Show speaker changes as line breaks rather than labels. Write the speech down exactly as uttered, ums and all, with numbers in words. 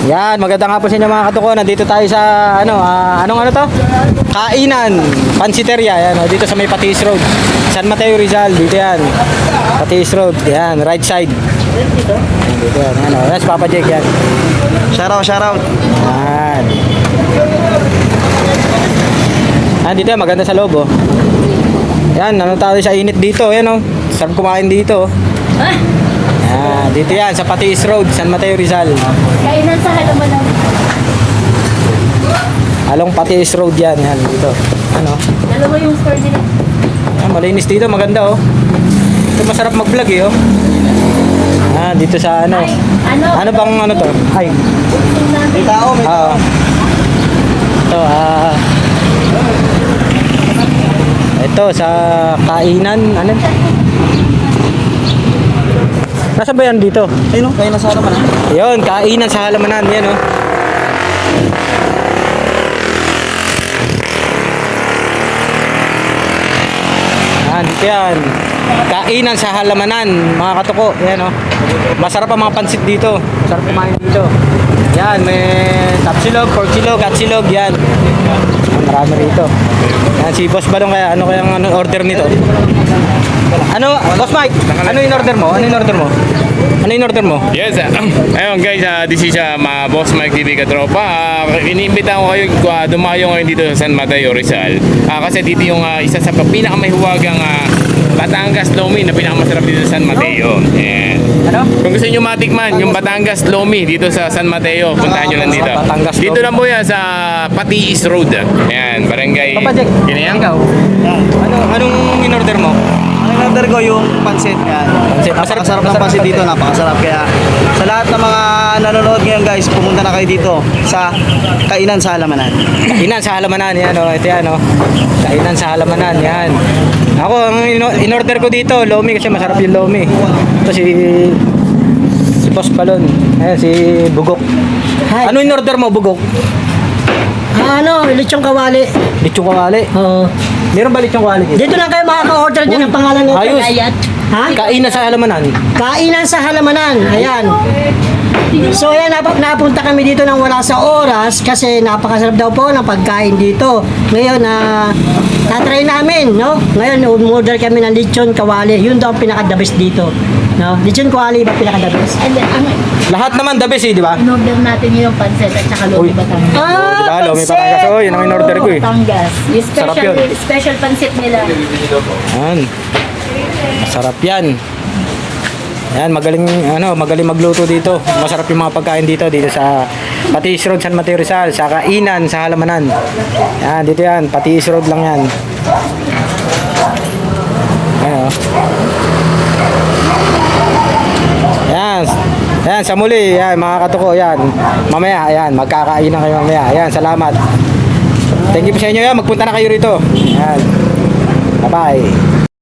Yan, maganda nga po sa inyo mga katuko. Nandito tayo sa ano, ah, anong ano to? Kainan, Pansiteria. Yan, oh, dito sa may Patis Road. San Mateo Rizal, dito yan. Patis Road, yan, right side. Yan, dito yan, ano, yan si Papa Jake yan.
Shoutout, shoutout.
Yan. Yan, dito yan, maganda sa loob, oh. Yan, ano tayo sa init dito, yan, oh. Sarap kumain dito, oh. Yan, dito yan, sa Patis Road, San Mateo Rizal.
Kainan sa halaman ng...
Along Patis Road yan, yan, dito. Ano?
Dalawa yung store nila.
Ah, malinis dito, maganda, oh. Ito masarap mag-vlog, eh, oh. Ah, dito sa ano.
Ay, ano?
Ano bang ano to? Ay.
May tao, may tao.
Ah. Ito, ah. Ito sa kainan, ano? Nasaan ba yan dito?
Sino? Kayo nasa halaman ha?
Ayun, kainan sa halamanan, yan, oh. Ah, dito yan. Kainan sa halamanan, mga katuko. Yan, oh. Masarap ang mga pansit dito. Masarap kumain dito. Yan, may tapsilog, pork silog, at silog, yan. Marami rito. Yan, si Boss Balong kaya, ano kayang ano, order nito? Ano, Boss Mike, ano in order mo? Ano in order mo? Ano in order mo?
Yes, uh, ayun guys, uh, this is uh, ma Boss Mike T V Katropa. Uh, iniimbita ko kayo uh, dumayo ngayon dito sa San Mateo Rizal. Uh, kasi dito yung uh, isa sa pinakamahiwagang uh, Batangas Lomi na pinakamasarap dito sa San Mateo. Ayan.
Ano?
Kung gusto nyo matikman, yung Batangas Lomi dito sa San Mateo, puntahan nyo lang dito.
Batangas
Dito
Lomi.
lang po yan sa Patis Road. Ayan, barangay.
Papa Jack,
Ginayang.
ikaw? Ano, anong in order mo?
Ang in-order ko yung pansit yan.
Pansit.
Napakasarap ng
Masarap
pansit
ang
dito,
pansit.
napakasarap. Kaya sa lahat ng mga nanonood ngayon guys, pumunta na kayo dito sa Kainan sa Halamanan.
Kainan sa halamanan, yan, oh. Ito yan, oh. Kainan sa halamanan, yan. Ako, ang in- in-order ko dito, lomi kasi masarap yung lomi. Ito si si Boss Balon. Ayan, si Bugok.
Hi.
Ano in-order mo, Bugok?
Ah, ano, lechong kawali.
Lechong kawali.
Oo.
Meron ba lechong kawali dito?
Dito lang kayo makaka-order dyan ang pangalan ng
Ayos.
Kagayat. Ha?
Kainan sa halamanan.
Kainan sa halamanan. Ayan. So ayan, nap- napunta kami dito nang wala sa oras kasi napakasarap daw po ng pagkain dito. Ngayon, na tatry namin, no? Ngayon, umorder kami ng lechon kawali. Yun daw ang pinaka-the best dito. No? Lechon kawali ba pinaka-the best?
And then, ang
Lahat naman the best, eh, di ba?
in-order natin yung pancet at saka
Uy.
lomi Batangas.
Oh, di ba? Lomi Batangas. Oh, yun ang in-order ko, eh.
Batangas. Yung
Sarap
special,
yun.
special pancit nila.
Yan. Masarap yan. Yan, magaling ano, magaling magluto dito. Masarap yung mga pagkain dito dito sa Patis Road, San Mateo Rizal, sa Kainan sa Halamanan. Yan, dito yan, Patis Road lang yan. Ayan, oh. Yan. Yan, sa muli, yan, mga katuko, yan. Mamaya, yan, magkakainan kayo mamaya. Yan, salamat. Thank you po sa inyo yan, magpunta na kayo rito. Yan. Bye-bye.